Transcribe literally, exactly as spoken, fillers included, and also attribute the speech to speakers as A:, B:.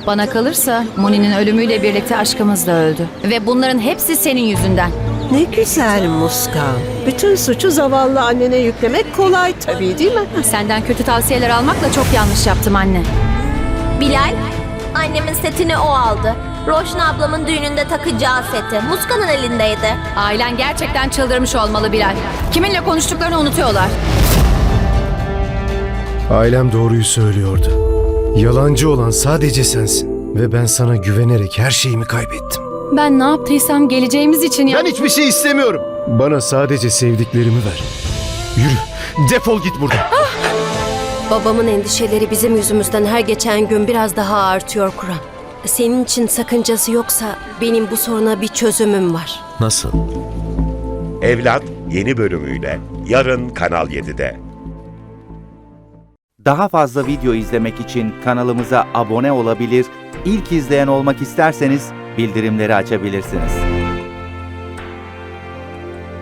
A: Bana kalırsa Muni'nin ölümüyle birlikte aşkımız da öldü. Ve bunların hepsi senin yüzünden.
B: Ne güzel Muskan. Bütün suçu zavallı annene yüklemek kolay tabii değil mi?
A: Senden kötü tavsiyeler almakla çok yanlış yaptım anne.
C: Bilal, annemin setini o aldı. Roşna ablamın düğününde takacağı seti Muskan'ın elindeydi.
A: Ailen gerçekten çıldırmış olmalı Bilal. Kiminle konuştuklarını unutuyorlar.
D: Ailem doğruyu söylüyordu. Yalancı olan sadece sensin. Ve ben sana güvenerek her şeyimi kaybettim.
A: Ben ne yaptıysam geleceğimiz için ya...
D: Ben hiçbir şey istemiyorum. Bana sadece sevdiklerimi ver. Yürü, defol git buradan.
E: Babamın endişeleri bizim yüzümüzden her geçen gün biraz daha artıyor Kur'an. Senin için sakıncası yoksa benim bu soruna bir çözümüm var.
F: Nasıl?
G: Evlat yeni bölümüyle yarın Kanal yedide.
H: Daha fazla video izlemek için kanalımıza abone olabilir, ilk izleyen olmak isterseniz bildirimleri açabilirsiniz.